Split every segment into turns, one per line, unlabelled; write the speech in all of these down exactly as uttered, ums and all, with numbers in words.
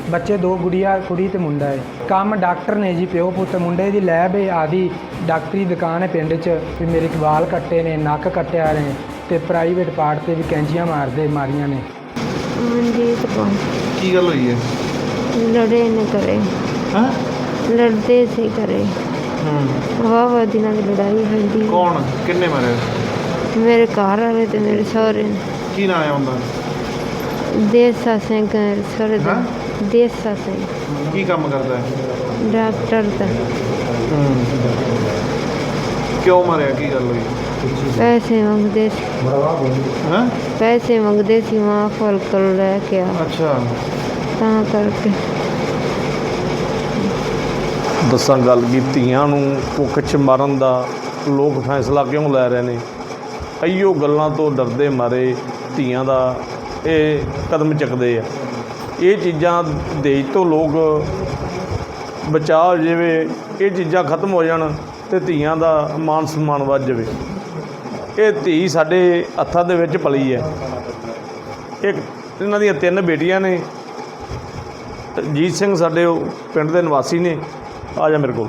ਬੱਚੇ ਦੋ ਗੁੜੀਆ ਕੁੜੀ ਤੇ ਮੁੰਡਾ ਹੈ। ਕੰਮ ਡਾਕਟਰ ਨੇ ਜੀ, ਪਿਓ ਪੁੱਤ। ਮੁੰਡੇ ਦੀ ਲੈਬ ਹੈ ਆਦਿ ਡਾਕਟਰੀ ਦੁਕਾਨ ਹੈ ਪਿੰਡ 'ਚ। ਵੀ ਮੇਰੇ ਵਾਲ ਕੱਟੇ ਨੇ, ਨੱਕ ਕੱਟਿਆ ਨੇ ਤੇ ਪ੍ਰਾਈਵੇਟ ਪਾਰਟ ਤੇ ਵੀ ਕੈਂਚੀਆਂ ਮਾਰਦੇ ਮਾਰੀਆਂ ਨੇ।
ਮਨਜੀਤ ਕੌਰ।
ਕੀ ਗੱਲ ਹੋਈ ਹੈ?
ਲੜੇ ਨੇ ਘਰੇ।
ਹਾਂ,
ਲੜਦੇ ਸੀ ਘਰੇ।
ਹੂੰ।
ਵਾਹ ਵਾਹ ਦਿਨਾਂ ਦੀ ਲੜਾਈ ਹੁੰਦੀ।
ਕੌਣ ਕਿੰਨੇ ਮਾਰੇ?
ਮੇਰੇ ਘਰ ਵਾਲੇ ਤੇ ਮੇਰੇ ਸਹੁਰੇ।
ਕੀ ਨਾਂ ਹੈ ਉਹਦਾ?
ਦੇਸਾ ਸਿੰਘ ਸਹੁਰੇ ਦਾ। ਦੇਸਾ ਸਿੰਘ
ਕੀ ਕੰਮ ਕਰਦਾ ਹੈ?
ਡਾਕਟਰ ਦਾ।
ਕਿਉਂ ਮਾਰਿਆ? ਕੀ ਗੱਲ ਹੋਈ?
ਪੈਸੇ ਮੰਗਦੇ ਸੀ।
ਹਾਂ,
ਪੈਸੇ ਮੰਗਦੇ ਸੀ ਮਾਂ ਫਲ ਕੋਲ ਲੈ ਕੇ ਆ,
ਅੱਛਾ।
ਤਾਂ ਕਰਕੇ।
ਦੱਸਾਂ ਗੱਲ ਕੀ, ਧੀਆਂ ਨੂੰ ਭੁੱਖ 'ਚ ਮਾਰਨ ਦਾ ਲੋਕ ਫੈਸਲਾ ਕਿਉਂ ਲੈ ਰਹੇ ਨੇ? ਇਹੀਓ ਗੱਲਾਂ ਤੋਂ ਡਰਦੇ ਮਾਰੇ ਧੀਆਂ ਦਾ ਇਹ ਕਦਮ ਚੁੱਕਦੇ ਆ। ਇਹ ਚੀਜ਼ਾਂ ਦੇਸ਼ ਤੋਂ ਲੋਕ ਬਚਾਅ ਹੋ ਜਾਵੇ, ਇਹ ਚੀਜ਼ਾਂ ਖਤਮ ਹੋ ਜਾਣ ਅਤੇ ਧੀਆਂ ਦਾ ਮਾਨ ਸਨਮਾਨ ਵੱਧ ਜਾਵੇ। ਇਹ ਧੀ ਸਾਡੇ ਹੱਥਾਂ ਦੇ ਵਿੱਚ ਪਲੀ ਹੈ। ਇੱਕ ਇਹਨਾਂ ਦੀਆਂ ਤਿੰਨ ਬੇਟੀਆਂ ਨੇ। ਜੀਤ ਸਿੰਘ ਸਾਡੇ ਉਹ ਪਿੰਡ ਦੇ ਨਿਵਾਸੀ ਨੇ। ਆ ਜਾ ਮੇਰੇ ਕੋਲ।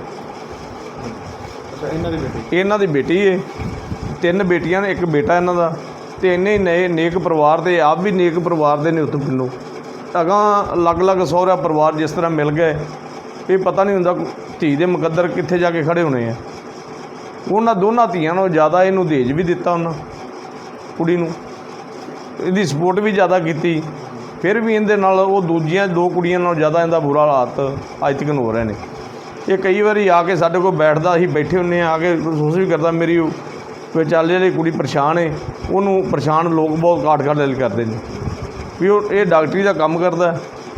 ਅੱਛਾ, ਇਹਨਾਂ ਦੀ ਬੇਟੀ? ਇਹਨਾਂ
ਦੀ ਬੇਟੀ ਹੈ। ਤਿੰਨ ਬੇਟੀਆਂ ਨੇ, ਇੱਕ ਬੇਟਾ ਇਹਨਾਂ ਦਾ। ਅਤੇ ਇੰਨੇ ਨਏ ਨੇਕ ਪਰਿਵਾਰ ਦੇ, ਆਪ ਵੀ ਨੇਕ ਪਰਿਵਾਰ ਦੇ ਨੇ ਉੱਥੋਂ ਪਿੰਡੋਂ। ਅਗਾਂਹ ਅਲੱਗ ਅਲੱਗ ਸਹੁਰਾ ਪਰਿਵਾਰ ਜਿਸ ਤਰ੍ਹਾਂ ਮਿਲ ਗਏ, ਇਹ ਪਤਾ ਨਹੀਂ ਹੁੰਦਾ ਧੀ ਦੇ ਮੁਕੱਦਰ ਕਿੱਥੇ ਜਾ ਕੇ ਖੜ੍ਹੇ ਹੋਣੇ ਆ। ਉਹਨਾਂ ਦੋਨਾਂ ਧੀਆਂ ਨੂੰ ਜ਼ਿਆਦਾ ਇਹਨੂੰ ਦਹੇਜ ਵੀ ਦਿੱਤਾ ਉਹਨਾਂ ਕੁੜੀ ਨੂੰ, ਇਹਦੀ ਸਪੋਰਟ ਵੀ ਜ਼ਿਆਦਾ ਕੀਤੀ। ਫਿਰ ਵੀ ਇਹਦੇ ਨਾਲ ਉਹ ਦੂਜੀਆਂ ਦੋ ਕੁੜੀਆਂ ਨਾਲੋਂ ਜ਼ਿਆਦਾ ਇਹਦਾ ਬੁਰਾ ਹਾਲਾਤ ਅੱਜ ਤੱਕ ਹੋ ਰਹੇ ਨੇ। ਇਹ ਕਈ ਵਾਰੀ ਆ ਕੇ ਸਾਡੇ ਕੋਲ ਬੈਠਦਾ, ਅਸੀਂ ਬੈਠੇ ਹੁੰਦੇ ਹਾਂ, ਆ ਕੇ ਮਹਿਸੂਸ ਵੀ ਕਰਦਾ ਮੇਰੀ ਵਿਚਾਲੇ ਜਿਹੜੀ ਕੁੜੀ ਪਰੇਸ਼ਾਨ ਹੈ, ਉਹਨੂੰ ਪਰੇਸ਼ਾਨ ਲੋਕ ਬਹੁਤ ਕਾਟ ਕਾਟ ਦਿਲ ਕਰਦੇ ਨੇ ਵੀ ਉਹ ਇਹ ਡਾਕਟਰੀ ਦਾ ਕੰਮ ਕਰਦਾ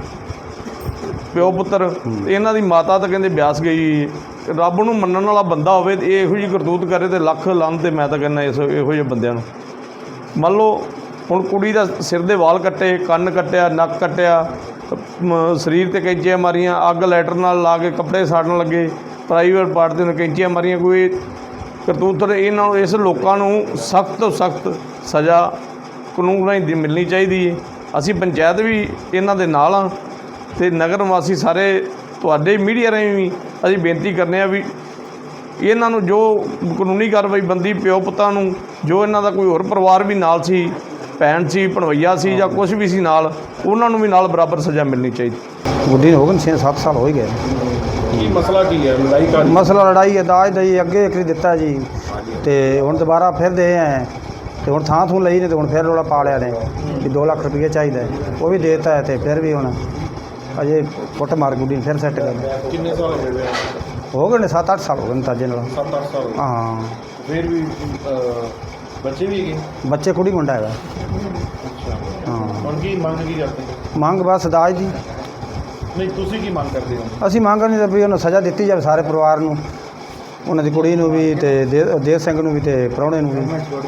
ਪਿਓ ਪੁੱਤਰ। ਇਹਨਾਂ ਦੀ ਮਾਤਾ ਤਾਂ ਕਹਿੰਦੇ ਬਿਆਸ ਗਈ। ਰੱਬ ਨੂੰ ਮੰਨਣ ਵਾਲਾ ਬੰਦਾ ਹੋਵੇ ਤੇ ਇਹ ਇਹੋ ਜਿਹੀ ਕਰਤੂਤ ਕਰੇ ਤੇ ਲੱਖ ਲਾਹਨਤ। ਤੇ ਮੈਂ ਤਾਂ ਕਹਿੰਦਾ ਇਸ ਇਹੋ ਜਿਹੇ ਬੰਦਿਆਂ ਨੂੰ। ਮੰਨ ਲਓ ਹੁਣ ਕੁੜੀ ਦਾ ਸਿਰ ਦੇ ਵਾਲ ਕੱਟੇ, ਕੰਨ ਕੱਟਿਆ, ਨੱਕ ਕੱਟਿਆ, ਸਰੀਰ 'ਤੇ ਕੈਂਚੀਆਂ ਮਾਰੀਆਂ, ਅੱਗ ਲਾਈਟਰ ਨਾਲ ਲਾ ਕੇ ਕੱਪੜੇ ਸਾੜਨ ਲੱਗੇ, ਪ੍ਰਾਈਵੇਟ ਪਾਰਟ 'ਤੇ ਕੈਂਚੀਆਂ ਮਾਰੀਆਂ। ਕੋਈ ਕਰਤੂਤ ਇਹਨਾਂ ਨੂੰ, ਇਸ ਲੋਕਾਂ ਨੂੰ ਸਖਤ ਤੋਂ ਸਖਤ ਸਜ਼ਾ ਕਾਨੂੰਨ ਰਾਹੀਂ ਮਿਲਣੀ ਚਾਹੀਦੀ ਹੈ। ਅਸੀਂ ਪੰਚਾਇਤ ਵੀ ਇਹਨਾਂ ਦੇ ਨਾਲ ਹਾਂ ਅਤੇ ਨਗਰ ਨਿਵਾਸੀ ਸਾਰੇ ਤੁਹਾਡੇ ਮੀਡੀਆ ਰਾਹੀਂ ਵੀ ਅਸੀਂ ਬੇਨਤੀ ਕਰਨੇ ਆ ਵੀ ਇਹਨਾਂ ਨੂੰ ਜੋ ਕਾਨੂੰਨੀ ਕਾਰਵਾਈ ਬੰਦੀ, ਪਿਓ ਪੁੱਤਾਂ ਨੂੰ, ਜੋ ਇਹਨਾਂ ਦਾ ਕੋਈ ਹੋਰ ਪਰਿਵਾਰ ਵੀ ਨਾਲ ਸੀ, ਭੈਣ ਸੀ, ਭਣਵਈਆ ਸੀ ਜਾਂ ਕੁਛ ਵੀ ਸੀ ਨਾਲ, ਉਹਨਾਂ ਨੂੰ ਵੀ ਨਾਲ ਬਰਾਬਰ ਸਜ਼ਾ ਮਿਲਣੀ ਚਾਹੀਦੀ।
ਗੁੱਡੀ ਨੂੰ ਹੋ ਗਏ ਛੇ ਸੱਤ ਸਾਲ ਹੋ ਹੀ ਗਏ।
ਕੀ ਮਸਲਾ ਕੀ ਹੈ? ਲੜਾਈ ਕਾ
ਮਸਲਾ ਲੜਾਈ ਹੈ, ਦਾਜ ਦਈ ਅੱਗੇ ਇੱਕ ਦਿੱਤਾ ਜੀ, ਅਤੇ ਹੁਣ ਦੁਬਾਰਾ ਫਿਰ ਦੇ ਆਏ ਅਤੇ ਹੁਣ ਥਾਂ ਥੂੰ ਲਈ ਨੇ, ਅਤੇ ਹੁਣ ਫਿਰ ਰੌਲਾ ਪਾ ਲਿਆ ਨੇ ਵੀ ਦੋ ਲੱਖ ਰੁਪਈਆ ਚਾਹੀਦਾ। ਉਹ ਵੀ ਦੇ ਦਿੱਤਾ ਹੈ ਅਤੇ ਫਿਰ ਵੀ ਹੁਣ ਅਜੇ ਕੁੱਟ ਮਾਰ ਗੁੱਡੀ ਨੂੰ ਫਿਰ ਸੈੱਟ ਕਰ।
ਕਿੰਨੇ ਸਾਲ ਹੋ ਗਏ?
ਹੋ ਗਏ ਨੇ ਸੱਤ ਅੱਠ ਸਾਲ ਹੋ ਗਏ ਨੇ ਤਾਜੇ ਨਾਲ।
ਸੱਤ ਅੱਠ ਸਾਲ?
ਹਾਂ।
ਫਿਰ ਵੀ ਬੱਚੇ ਵੀ ਹੈਗੇ?
ਬੱਚੇ ਕੁੜੀ ਮੁੰਡਾ ਹੈਗਾ।
ਅੱਛਾ।
ਹਾਂ।
ਹੁਣ ਕੀ ਮੰਗ ਕੀ ਕਰਦੇ?
ਮੰਗ ਬਸ ਦਾਜ ਦੀ।
ਨਹੀਂ, ਤੁਸੀਂ ਕੀ ਮੰਗ ਕਰਦੇ ਹੋ?
ਅਸੀਂ ਮੰਗ ਨਹੀਂ ਤਾਂ ਵੀ ਉਹਨੂੰ ਸਜ਼ਾ ਦਿੱਤੀ ਜਾਵੇ ਸਾਰੇ ਪਰਿਵਾਰ ਨੂੰ, ਉਹਨਾਂ ਦੀ ਕੁੜੀ ਨੂੰ ਵੀ ਅਤੇ ਦੇ ਦੇਵ ਸਿੰਘ ਨੂੰ ਵੀ ਅਤੇ ਪ੍ਰਾਹੁਣੇ ਨੂੰ ਵੀ।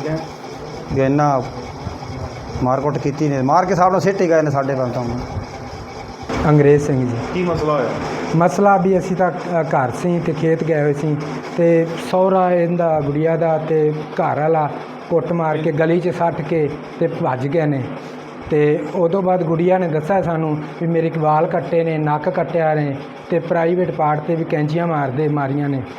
ਵੀ ਇੰਨਾ ਮਾਰਕੁੱਟ ਕੀਤੀ ਨੇ, ਮਾਰ ਕੇ ਸਾਹਿਬ ਨਾਲ ਸਿੱਟ ਹੀ ਗਏ ਨੇ ਸਾਡੇ ਬੰਦ ਤੋਂ।
ਅੰਗਰੇਜ਼ ਸਿੰਘ ਜੀ।
ਕੀ ਮਸਲਾ ਹੋਇਆ?
ਮਸਲਾ ਵੀ ਅਸੀਂ ਤਾਂ ਘਰ ਸੀ ਅਤੇ ਖੇਤ ਗਏ ਹੋਏ ਸੀ, ਅਤੇ ਸਹੁਰਾ ਇਹਦਾ ਗੁੜੀਆ ਦਾ ਅਤੇ ਘਰ ਵਾਲਾ ਕੁੱਟ ਮਾਰ ਕੇ ਗਲੀ 'ਚ ਸੱਟ ਕੇ ਅਤੇ ਭੱਜ ਗਏ ਨੇ। ਅਤੇ ਉਦੋਂ ਬਾਅਦ ਗੁੜੀਆ ਨੇ ਦੱਸਿਆ ਸਾਨੂੰ ਵੀ ਮੇਰੇ ਵਾਲ ਕੱਟੇ ਨੇ, ਨੱਕ ਕੱਟਿਆ ਨੇ ਅਤੇ ਪ੍ਰਾਈਵੇਟ ਪਾਰਟ 'ਤੇ ਵੀ ਕੈਂਚੀਆਂ ਮਾਰਦੇ ਮਾਰੀਆਂ ਨੇ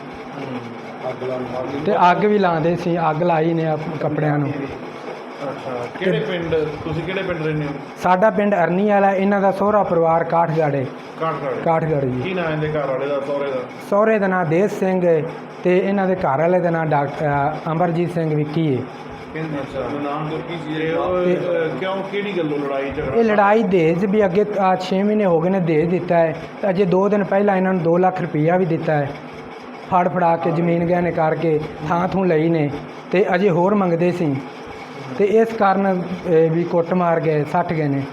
ਅਤੇ ਅੱਗ ਵੀ ਲਾਉਂਦੇ ਸੀ, ਅੱਗ ਲਾਈ ਨੇ ਕੱਪੜਿਆਂ ਨੂੰ।
ਅੱਛਾ। ਕਿਹੜੇ ਪਿੰਡ ਤੁਸੀਂ ਕਿਹੜੇ ਪਿੰਡ ਰਹਿੰਦੇ ਹੋ?
ਸਾਡਾ ਪਿੰਡ ਅਰਨੀ ਵਾਲਾ, ਇਹਨਾਂ ਦਾ ਸਹੁਰਾ ਪਰਿਵਾਰ ਕਾਠਗੜ੍ਹ।
ਕਾਠਗੜ੍ਹ?
ਕਾਠਗੜ੍ਹ ਜੀ।
ਕੀ ਨਾਂ ਇਹਦੇ ਘਰ ਵਾਲੇ ਦਾ, ਸਹੁਰੇ ਦਾ?
ਸਹੁਰੇ ਦਾ ਨਾਂ ਦੇਸ ਸਿੰਘ ਹੈ ਅਤੇ ਇਹਨਾਂ ਦੇ ਘਰ ਵਾਲੇ ਦਾ ਨਾਂ ਡਾਕਟਰ ਅਮਰਜੀਤ ਸਿੰਘ ਵਿੱਕੀ ਹੈ।
ਅੱਛਾ। ਨਾਮ ਕੀ ਸੀ? ਕਿਉਂ, ਕਿਹੜੀ ਗੱਲੋਂ ਲੜਾਈ ਝਗੜਾ?
ਇਹ ਲੜਾਈ ਦਹੇਜ ਵੀ ਅੱਗੇ ਛੇ ਮਹੀਨੇ ਹੋ ਗਏ ਨੇ ਦਹੇਜ ਦਿੱਤਾ ਹੈ, ਅਤੇ ਅਜੇ ਦੋ ਦਿਨ ਪਹਿਲਾਂ ਇਹਨਾਂ ਨੂੰ ਦੋ ਲੱਖ ਰੁਪਈਆ ਵੀ ਦਿੱਤਾ ਹੈ। ਫੜ ਫੜਾ ਕੇ ਜ਼ਮੀਨ ਗਹਿਣੇ ਕਰਕੇ ਥਾਂ ਥੂੰ ਲਈ ਨੇ ਅਤੇ ਅਜੇ ਹੋਰ ਮੰਗਦੇ ਸੀ, ਅਤੇ ਇਸ ਕਾਰਨ ਵੀ ਕੁੱਟ ਮਾਰ ਗਏ, ਸੱਟ ਗਏ ਨੇ।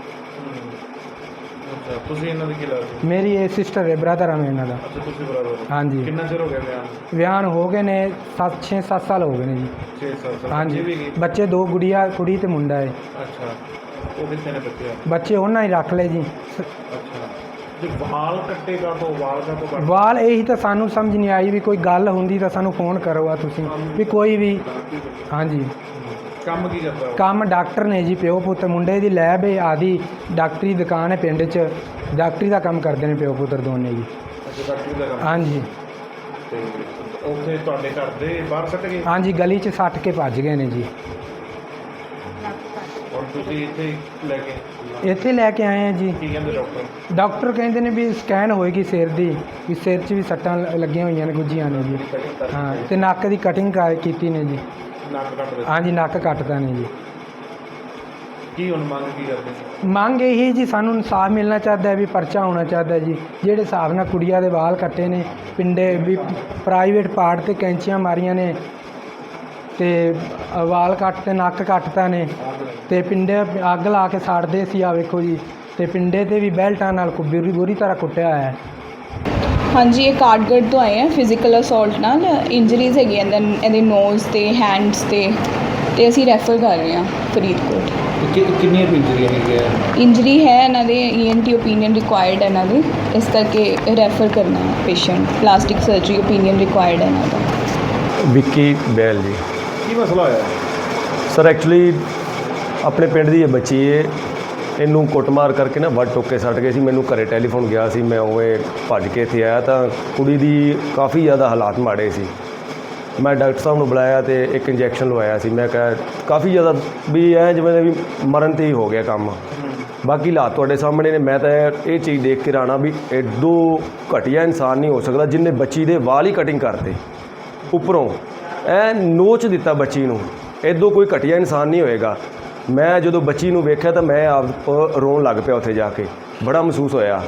ਅੱਛਾ। ਤੁਸੀਂ ਇਹਨਾਂ ਦੀ ਕੀ ਲੱਗਦੇ?
ਮੇਰੀ ਇਹ ਸਿਸਟਰ ਹੈ, ਬ੍ਰਦਰ ਹਾਂ ਮੈਂ ਇਹਨਾਂ ਦਾ।
ਅੱਛਾ, ਤੁਸੀਂ ਬਰਾਬਰ?
ਹਾਂਜੀ।
ਕਿੰਨਾ ਚਿਰ ਹੋ ਗਿਆ ਵਿਆਹ?
ਵਿਆਹ ਨੂੰ ਹੋ ਗਏ ਨੇ ਸੱਤ ਛੇ ਸੱਤ ਸਾਲ ਹੋ ਗਏ ਨੇ ਜੀ।
ਛੇ ਸਾਲ?
ਹਾਂਜੀ। ਬੱਚੇ ਦੋ ਗੁੜੀਆ ਕੁੜੀ ਤੇ ਮੁੰਡਾ ਹੈ।
ਅੱਛਾ। ਉਹ ਕਿੱਥੇ ਨੇ ਬੱਚੇ?
ਬੱਚੇ ਉਹਨਾਂ ਹੀ ਰੱਖ ਲਏ ਜੀ।
ਅੱਛਾ। ਤੇ ਵਾਲ ਕੱਟੇਗਾ ਤੋਂ ਵਾਲ ਕਾ ਤੋਂ
ਵਾਲ ਇਹੀ ਤਾਂ ਸਾਨੂੰ ਸਮਝ ਨਹੀਂ ਆਈ ਵੀ ਕੋਈ ਗੱਲ ਹੁੰਦੀ ਤਾਂ ਸਾਨੂੰ ਫੋਨ ਕਰੋ ਆ ਤੁਸੀਂ ਵੀ ਕੋਈ ਵੀ। ਹਾਂਜੀ।
ਕੰਮ ਕੀ ਕਰਦਾ?
ਕੰਮ ਡਾਕਟਰ ਨੇ ਜੀ, ਪਿਓ ਪੁੱਤ। ਮੁੰਡੇ ਦੀ ਲੈਬ ਹੈ ਆਦਿ ਡਾਕਟਰੀ ਦੁਕਾਨ ਹੈ ਪਿੰਡ 'ਚ। ਡਾਕਟਰੀ ਦਾ ਕੰਮ ਕਰਦੇ ਨੇ ਪਿਓ ਪੁੱਤਰ ਦੋਨੇ ਜੀ।
ਅੱਛਾ ਡਾਕਟਰੀ ਦਾ ਕੰਮ।
ਹਾਂਜੀ
ਤੇ ਉੱਥੇ ਤੁਹਾਡੇ ਘਰ ਦੇ ਬਾਹਰ ਸੱਟ ਗਏ।
ਹਾਂਜੀ ਗਲੀ 'ਚ ਸੱਟ ਕੇ ਭੱਜ ਗਏ ਨੇ ਜੀ।
ਹੁਣ ਤੁਸੀਂ ਇੱਥੇ ਲੈ ਕੇ
ਇੱਥੇ ਲੈ ਕੇ ਆਏ ਆ ਜੀ।
ਕੀ ਕਹਿੰਦੇ ਡਾਕਟਰ?
ਡਾਕਟਰ ਕਹਿੰਦੇ ਨੇ ਵੀ ਸਕੈਨ ਹੋਏਗੀ ਸਿਰ ਦੀ, ਵੀ ਸਿਰ 'ਚ ਵੀ ਸੱਟਾਂ ਲ- ਲੱਗੀਆਂ ਹੋਈਆਂ ਨੇ, ਗੁੱਜੀਆਂ ਨੇ ਜੀ। ਹਾਂ ਤੇ ਨੱਕ ਦੀ ਕਟਿੰਗ ਕੀਤੀ ਨੇ ਜੀ।
ਨੱਕ ਕੱਟ ਦੇ।
ਹਾਂਜੀ ਨੱਕ ਕੱਟਦਾ ਨੇ ਜੀ।
ਕੀ ਹੁਣ ਮੰਗ ਕੀ ਕਰਦੇ?
ਮੰਗ ਇਹੀ ਜੀ, ਸਾਨੂੰ ਇਨਸਾਫ ਮਿਲਣਾ ਚਾਹੀਦਾ ਹੈ, ਵੀ ਪਰਚਾ ਹੋਣਾ ਚਾਹੀਦਾ ਹੈ ਜੀ। ਜਿਹੜੇ ਹਿਸਾਬ ਨਾਲ ਕੁੜੀਆਂ ਦੇ ਵਾਲ ਕੱਟੇ ਨੇ, ਪਿੰਡੇ ਵੀ ਪ੍ਰਾਈਵੇਟ ਪਾਰਟ ਤੇ ਕੈਂਚੀਆਂ ਮਾਰੀਆਂ ਨੇ, ਤੇ ਵਾਲ ਕੱਟ ਤੇ ਨੱਕ ਕੱਟਤਾ ਨੇ, ਤੇ ਪਿੰਡੇ ਅੱਗ ਲਾ ਕੇ ਸਾੜਦੇ ਸੀ। ਆ ਵੇਖੋ ਜੀ, ਤੇ ਪਿੰਡੇ ਤੇ ਵੀ ਬੈਲਟਾਂ ਨਾਲ ਕੁ- ਬੁਰੀ ਬੁਰੀ ਤਰ੍ਹਾਂ ਕੁੱਟਿਆ ਹੋਇਆ ਹੈ।
ਹਾਂਜੀ ਇਹ ਕਾਰਡਗੜ ਤੋਂ ਆਏ ਆ ਫਿਜ਼ੀਕਲ ਅਸੌਲਟ ਨਾਲ ਇੰਜਰੀਜ਼ ਹੈਗੀਆਂ ਇਹਦੇ ਇਹਦੇ ਨੋਜ਼ ਤੇ ਹੈਂਡਸ ਤੇ ਤੇ ਅਸੀਂ ਰੈਫਰ ਕਰ ਰਹੇ ਹਾਂ ਫਰੀਦਕੋਟ।
ਕਿੰਨੀਆਂ ਇੰਜਰੀਆਂ ਹੈਗੀਆਂ?
ਇੰਜਰੀ ਹੈ ਇਹਨਾਂ ਦੇ E N T opinion required ਹੈ ਇਹਨਾਂ ਦੇ, ਇਸ ਕਰਕੇ ਰੈਫਰ ਕਰਨਾ ਹੈ patient. Plastic surgery opinion required ਹੈ ਇਹਨਾਂ ਦਾ।
ਵਿੱਕੀ ਬੈਲ ਜੀ।
ਕੀ ਮਸਲਾ ਹੋਇਆ?
ਸਰ ਐਕਚੁਅਲੀ ਆਪਣੇ ਪਿੰਡ ਦੀ ਇਹ ਬੱਚੀ ਏ, ਇਹਨੂੰ ਕੁੱਟਮਾਰ ਕਰਕੇ ਨਾ ਵੱਢ ਟੋਕੇ ਸੱਟ ਗਏ ਸੀ। ਮੈਨੂੰ ਘਰੇ ਟੈਲੀਫੋਨ ਗਿਆ ਸੀ, ਮੈਂ ਉਵੇਂ ਭੱਜ ਕੇ ਇੱਥੇ ਆਇਆ ਤਾਂ ਕੁੜੀ ਦੀ ਕਾਫੀ ਜ਼ਿਆਦਾ ਹਾਲਾਤ ਮਾੜੇ ਸੀ। ਮੈਂ ਡਾਕਟਰ ਸਾਹਿਬ ਨੂੰ ਬੁਲਾਇਆ ਤੇ ਇੱਕ ਇੰਜੈਕਸ਼ਨ ਲਵਾਇਆ ਸੀ। ਮੈਂ ਕਿਹਾ ਕਾਫੀ ਜ਼ਿਆਦਾ ਵੀ ਐ ਜਿਵੇਂ ਵੀ ਮਰਨ 'ਤੇ ਹੀ ਹੋ ਗਿਆ ਕੰਮ। ਬਾਕੀ ਹਾਲਾਤ ਤੁਹਾਡੇ ਸਾਹਮਣੇ ਨੇ। ਮੈਂ ਤਾਂ ਇਹ ਚੀਜ਼ ਦੇਖ ਕੇ ਰਾਣਾ ਵੀ ਐਡੋ ਘਟੀਆ ਇਨਸਾਨ ਨਹੀਂ ਹੋ ਸਕਦਾ ਜਿਹਨੇ ਬੱਚੀ ਦੇ ਵਾਲ ਹੀ ਕਟਿੰਗ ਕਰਤੇ, ਉੱਪਰੋਂ ਐ ਨੋਚ ਦਿੱਤਾ ਬੱਚੀ ਨੂੰ। ਐਡੋ ਕੋਈ ਘਟੀਆ ਇਨਸਾਨ ਨਹੀਂ ਹੋਏਗਾ। ਮੈਂ ਜਦੋਂ ਬੱਚੀ ਨੂੰ ਵੇਖਿਆ ਤਾਂ ਮੈਂ ਆਪ ਰੋਣ ਲੱਗ ਪਿਆ ਉੱਥੇ ਜਾ ਕੇ, ਬੜਾ ਮਹਿਸੂਸ ਹੋਇਆ।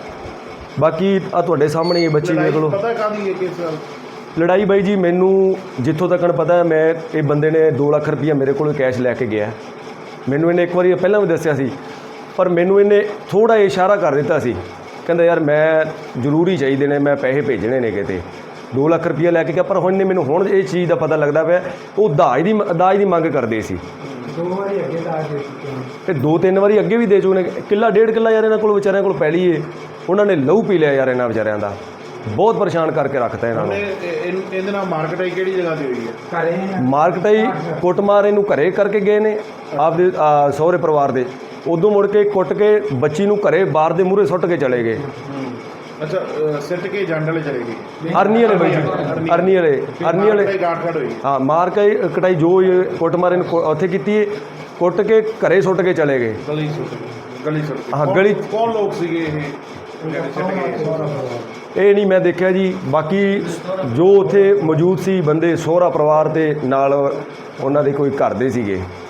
ਬਾਕੀ ਆ ਤੁਹਾਡੇ ਸਾਹਮਣੇ ਇਹ ਬੱਚੀ ਦੇਖ ਲਓ।
ਪਤਾ ਕਾਹਦੀ ਹੈ ਕਿਸ ਗੱਲ?
ਲੜਾਈ ਬਾਈ ਜੀ ਮੈਨੂੰ ਜਿੱਥੋਂ ਤੱਕ ਪਤਾ ਹੈ, ਮੈਂ ਇਹ ਬੰਦੇ ਨੇ ਦੋ ਲੱਖ ਰੁਪਈਆ ਮੇਰੇ ਕੋਲੋਂ ਕੈਸ਼ ਲੈ ਕੇ ਗਿਆ। ਮੈਨੂੰ ਇਹਨੇ ਇੱਕ ਵਾਰੀ ਪਹਿਲਾਂ ਵੀ ਦੱਸਿਆ ਸੀ, ਪਰ ਮੈਨੂੰ ਇਹਨੇ ਥੋੜ੍ਹਾ ਇਸ਼ਾਰਾ ਕਰ ਦਿੱਤਾ ਸੀ, ਕਹਿੰਦਾ ਯਾਰ ਮੈਂ ਜ਼ਰੂਰੀ ਚਾਹੀਦੇ ਨੇ, ਮੈਂ ਪੈਸੇ ਭੇਜਣੇ ਨੇ ਕਿਤੇ। ਦੋ ਲੱਖ ਰੁਪਈਆ ਲੈ ਕੇ ਗਿਆ, ਪਰ ਹੁਣ ਨੇ ਮੈਨੂੰ ਹੁਣ ਇਹ ਚੀਜ਼ ਦਾ ਪਤਾ ਲੱਗਦਾ ਪਿਆ ਉਹ ਦਾਜ ਦੀ ਦਾਜ ਦੀ ਮੰਗ ਕਰਦੇ ਸੀ।
ਦੋ ਵਾਰੀ ਅੱਗੇ ਦਾਜ ਦੇ ਚੁੱਕੇ ਨੇ
ਤੇ ਦੋ ਤਿੰਨ ਵਾਰੀ ਅੱਗੇ ਵੀ ਦੇ ਚੁੱਕੇ ਨੇ। ਕਿੱਲਾ ਡੇਢ ਕਿੱਲਾ ਯਾਰ ਇਹਨਾਂ ਕੋਲ ਵਿਚਾਰਿਆਂ ਕੋਲ ਪੈਲੀ ਏ, ਉਹਨਾਂ ਨੇ ਲਹੂ ਪੀ ਲਿਆ ਯਾਰ ਇਹਨਾਂ ਵਿਚਾਰਿਆਂ ਦਾ। ਬਹੁਤ ਪਰੇਸ਼ਾਨ ਕਰਕੇ ਰੱਖਤਾ ਇਹਨਾਂ ਨੂੰ।
ਇਹਦੇ ਨਾਲ ਮਾਰਕੀਟ ਕਿਹੜੀ ਜਗ੍ਹਾ ਤੇ ਹੋਈ ਹੈ?
ਘਰੇ
ਮਾਰਕਟਾਈ ਕੁੱਟਮਾਰ ਇਹਨੂੰ ਘਰੇ ਕਰਕੇ ਗਏ ਨੇ ਆਪਦੇ ਆ, ਸਹੁਰੇ ਪਰਿਵਾਰ ਦੇ। ਉਦੋਂ ਮੁੜ ਕੇ ਕੁੱਟ ਕੇ ਬੱਚੀ ਨੂੰ ਘਰੇ ਬਾਹਰ ਦੇ ਮੂਹਰੇ ਸੁੱਟ ਕੇ ਚਲੇ ਗਏ।
ਅੱਛਾ ਅ, ਸਿੱਟ ਕੇ ਜੰਡ ਵਾਲੇ ਚਲੇ ਗਏ।
ਅਰਨੀ ਵਾਲੇ ਬਾਈ ਜੀ, ਅਰਨੀ ਵਾਲੇ ਅਰਨੀ ਵਾਲੇ
ਗਾਠ ਖੜ ਹੋਈ।
ਹਾਂ ਮਾਰ ਕੇ ਕਟਾਈ ਜੋ ਇਹ ਕੁੱਟਮਾਰ ਇਹਨੂੰ ਕੁ- ਉੱਥੇ ਕੀਤੀ ਹੈ, ਕੁੱਟ ਕੇ ਘਰੇ ਸੁੱਟ ਕੇ ਚਲੇ ਗਏ।
ਗਲੀ ਸੁੱਟ ਗਈ। ਗਲੀ ਸੁੱਟ ਗਈ।
ਹਾਂ,
ਕੌਣ-
ਗਲੀ-
ਕੌਣ ਲੋਕ ਸੀਗੇ ਇਹ ਜਿਹੜੇ ਸਿੱਟ ਗਏ?
ਇਹ ਨਹੀਂ ਮੈਂ ਦੇਖਿਆ ਜੀ। ਬਾਕੀ ਜੋ ਉੱਥੇ ਮੌਜੂਦ ਸੀ ਬੰਦੇ, ਸਹੁਰਾ ਪਰਿਵਾਰ ਦੇ ਨਾਲ ਉਹਨਾਂ ਦੇ ਕੋਈ ਘਰ ਦੇ ਸੀਗੇ।